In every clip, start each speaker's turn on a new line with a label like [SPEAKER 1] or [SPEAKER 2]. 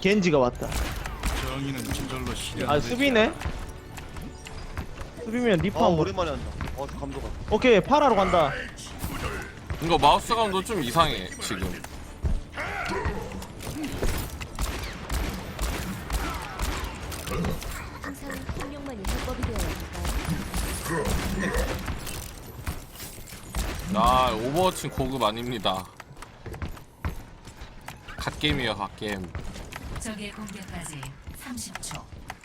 [SPEAKER 1] 겐지가 왔다.
[SPEAKER 2] 정의는 저절로 실현.
[SPEAKER 1] 아 수비네? 수비면 리퍼
[SPEAKER 3] 아
[SPEAKER 1] 한번.
[SPEAKER 3] 오랜만에 한다. 저 감도가.
[SPEAKER 1] 오케이 파라로 간다.
[SPEAKER 4] 이거 마우스 감도 좀 이상해 지금.
[SPEAKER 5] 항상 폭력만이 해법이 되어야 할까요?
[SPEAKER 4] 나 오버워치 고급 아닙니다. 갓게임이에요 갓게임.
[SPEAKER 6] 적의 공격까지 30초.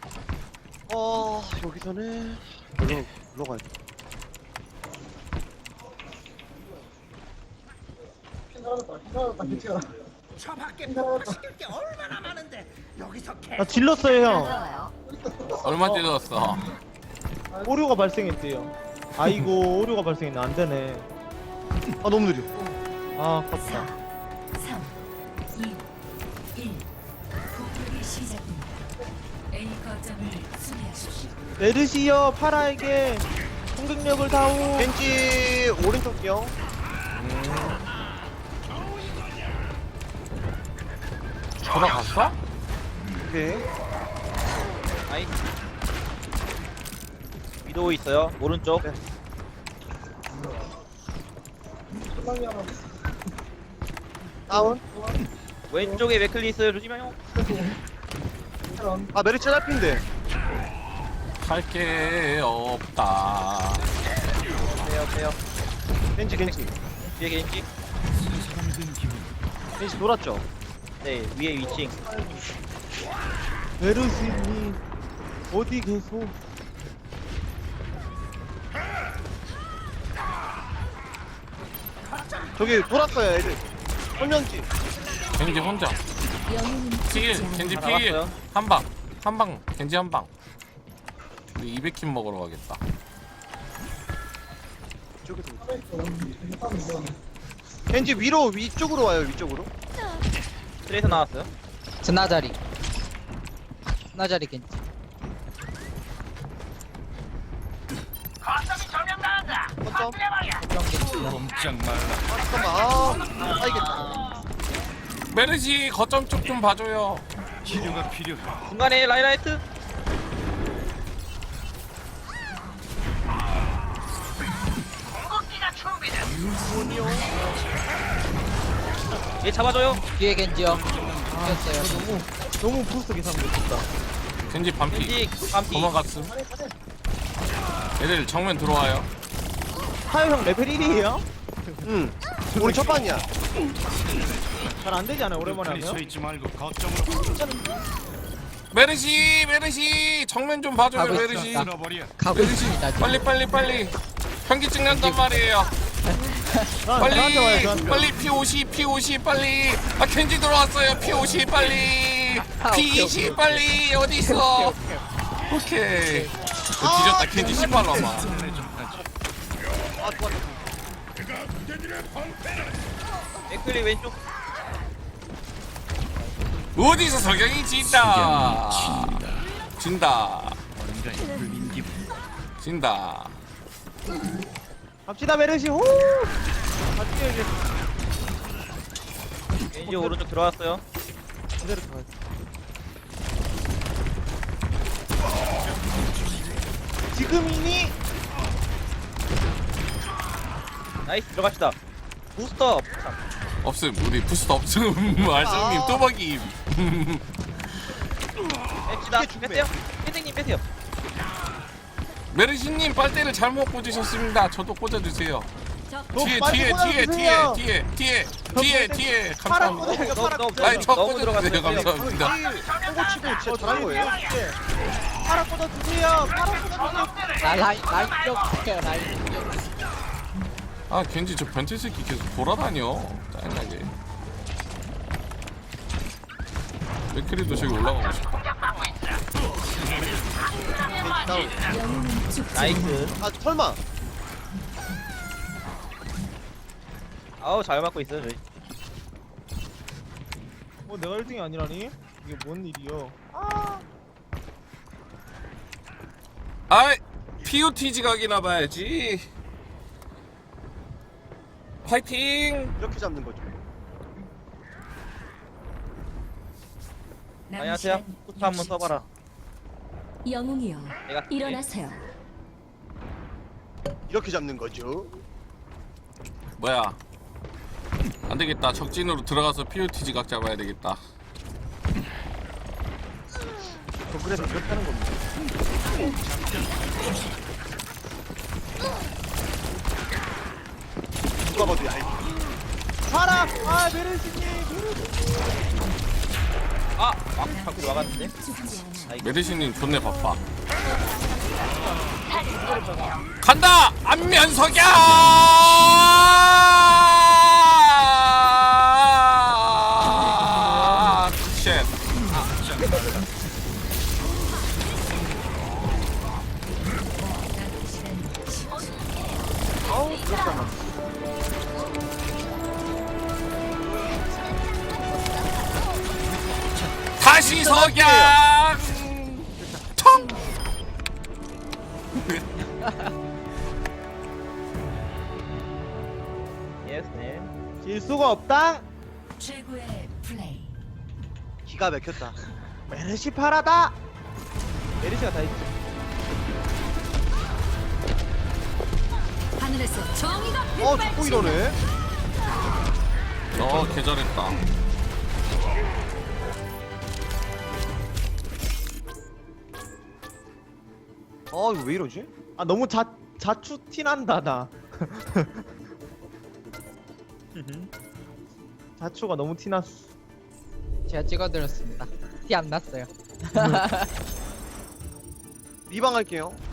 [SPEAKER 3] 여기서는 물러가야 돼.
[SPEAKER 1] 나 질렀어요 형.
[SPEAKER 5] 들어와요.
[SPEAKER 4] 얼마 찔렀어?
[SPEAKER 1] 오류가 발생했대요. 아이고 오류가 발생했네. 안 되네.
[SPEAKER 3] 아 너무 느려.
[SPEAKER 1] 아 컸다.
[SPEAKER 6] 3, 2, 1. 공격이 시작됩니다. A 거점을 수비하십시오.
[SPEAKER 1] 메르시여 파라에게 공격력을 다오.
[SPEAKER 3] 겐지 오른쪽 경.
[SPEAKER 4] 돌아갔어?
[SPEAKER 3] 오케이.
[SPEAKER 7] 아이 위도우 있어요 오른쪽.
[SPEAKER 3] 네. 다운.
[SPEAKER 7] 왼쪽에 맥클리 있어요 조심해요.
[SPEAKER 3] 아 메리츠 딸핀데.
[SPEAKER 4] 할 게 없다.
[SPEAKER 7] 빼요
[SPEAKER 3] 겐지.
[SPEAKER 7] 뒤에 겐지.
[SPEAKER 3] 겐지 돌았죠.
[SPEAKER 7] 네 위에 위층.
[SPEAKER 1] 메르시님 어디 계소?
[SPEAKER 3] 저기 돌았어요 애들. 혼연지.
[SPEAKER 4] 겐지 혼자.
[SPEAKER 5] 영웅은
[SPEAKER 4] 필
[SPEAKER 5] 죽지 않아.
[SPEAKER 4] 겐지
[SPEAKER 7] 다
[SPEAKER 4] 필.
[SPEAKER 7] 나갔어요.
[SPEAKER 4] 한방 겐지 한방. 우리 200킬 먹으러 가겠다.
[SPEAKER 3] 저기서. 겐지 위쪽으로 와요 위쪽으로.
[SPEAKER 7] 트레이서 나왔어요.
[SPEAKER 8] 스나자리 겐지.
[SPEAKER 3] 거점.
[SPEAKER 2] 꼼짝 말라.
[SPEAKER 3] 잠깐만. 이겠다.
[SPEAKER 4] 메르시 거점 쪽 좀 봐줘요.
[SPEAKER 2] 치료가 필요해.
[SPEAKER 7] 중간에 라이라이트. 얘 잡아줘요.
[SPEAKER 8] 뒤에 겐지요. 이겼어요.
[SPEAKER 1] 너무 부스터 계산 못했다.
[SPEAKER 4] 겐지 반피.
[SPEAKER 7] 겐지 반피.
[SPEAKER 4] 도망갔음. 얘들 정면 들어와요.
[SPEAKER 1] 타요 형 레벨 1이에요?
[SPEAKER 3] 응. 우리 첫 판이야.
[SPEAKER 1] 잘 안 되지 않아요 오랜만에
[SPEAKER 2] 그리 서
[SPEAKER 1] 하면?
[SPEAKER 2] 있지 말고 거점으로
[SPEAKER 4] 메르시 정면 좀 봐줘요
[SPEAKER 8] 가고
[SPEAKER 4] 메르시.
[SPEAKER 8] 있습니다.
[SPEAKER 2] 쓸어버려.
[SPEAKER 8] 가고
[SPEAKER 4] 메르시
[SPEAKER 8] 있습니다. 지금.
[SPEAKER 4] 빨리 현기 찍는단 말이에요.
[SPEAKER 1] 저한테 와요 저한테.
[SPEAKER 4] 빨리 P50 빨리. 아 켄지 들어왔어요. P50 빨리. P20 빨리 어디 있어? 오케이. 뒤졌다 켄지 18로 아마.
[SPEAKER 3] 아 좋았다.
[SPEAKER 7] 맥클리 왼쪽.
[SPEAKER 4] 어디서 석영이 진다.
[SPEAKER 2] 뭔가 불민 기분.
[SPEAKER 4] 진다.
[SPEAKER 1] 갑시다 메르시 호. 같이 해야지.
[SPEAKER 7] 겐지 오른쪽 들어왔어요.
[SPEAKER 1] 그대로 가. 지금이니?
[SPEAKER 7] 나이스 들어갑시다. 부스터.
[SPEAKER 4] 없음 우리 부스터 없음. 알성님 뚜벅이.
[SPEAKER 7] 뺍시다. 뺐어요. 팬생님 빼세요.
[SPEAKER 4] 메르시님 빨대를 잘못 꽂으셨습니다. 저도 꽂아주세요. 뒤에
[SPEAKER 1] 빨리 꽂아주세요.
[SPEAKER 4] 뒤에
[SPEAKER 1] 파라
[SPEAKER 4] 감사합니다.
[SPEAKER 1] 꽂아요 파라 꽂아요.
[SPEAKER 4] 아니 저
[SPEAKER 7] 너무
[SPEAKER 4] 꽂아주세요.
[SPEAKER 7] 들어갔어요.
[SPEAKER 4] 감사합니다.
[SPEAKER 3] 홍고 치고 진짜 잘한 거예요.
[SPEAKER 1] 파라 꽂아주세요. 파라 꽂아주세요.
[SPEAKER 8] 라인 쪽 할게요. 라인 쪽.
[SPEAKER 4] 아 겐지 저 변태 새끼 계속 돌아다녀. 짜증나게. 맥크리도 저기 올라가고 싶다.
[SPEAKER 3] 겐지 다운.
[SPEAKER 5] 영웅은 죽지
[SPEAKER 7] 나이스.
[SPEAKER 3] 아 설마.
[SPEAKER 7] 아우 잘 맞고 있어요 저희.
[SPEAKER 1] 내가 1등이 아니라니? 이게 뭔 일이여?
[SPEAKER 4] 아이 POTG 각이나 봐야지. 파이팅.
[SPEAKER 3] 이렇게 잡는 거죠.
[SPEAKER 7] 안녕하세요. 포트 한번 써봐라.
[SPEAKER 5] 영웅이여
[SPEAKER 7] 내가
[SPEAKER 5] 일어나세요.
[SPEAKER 3] 이렇게 잡는 거죠.
[SPEAKER 4] 뭐야? 안 되겠다. 적진으로 들어가서 POT 지각 잡아야 되겠다.
[SPEAKER 1] 그래서 그렇다는 겁니다.
[SPEAKER 3] 누가 봐도 얇.
[SPEAKER 1] 파라! 아 메르시님!
[SPEAKER 7] 아! 자꾸 나갔는데?
[SPEAKER 5] 죽지 않아.
[SPEAKER 4] 메르시님 존내 바빠. 간다! 안면석야! 쉣.
[SPEAKER 1] 아우 잠깐만.
[SPEAKER 4] 다시 석양! 청!
[SPEAKER 7] 예스 네.
[SPEAKER 1] 질 수가 없다.
[SPEAKER 6] 최고의 플레이.
[SPEAKER 3] 기가 막혔다.
[SPEAKER 1] 메르시 파라다. 메르시가 다 있지.
[SPEAKER 5] 하늘에서 정의가
[SPEAKER 3] 자꾸 이러네.
[SPEAKER 4] 개잘했다.
[SPEAKER 3] 이거 왜 이러지?
[SPEAKER 1] 아 너무 자추 티 난다 나. 자추가 너무 티 났어.
[SPEAKER 8] 제가 찍어드렸습니다. 티 안 났어요.
[SPEAKER 3] 리방 할게요.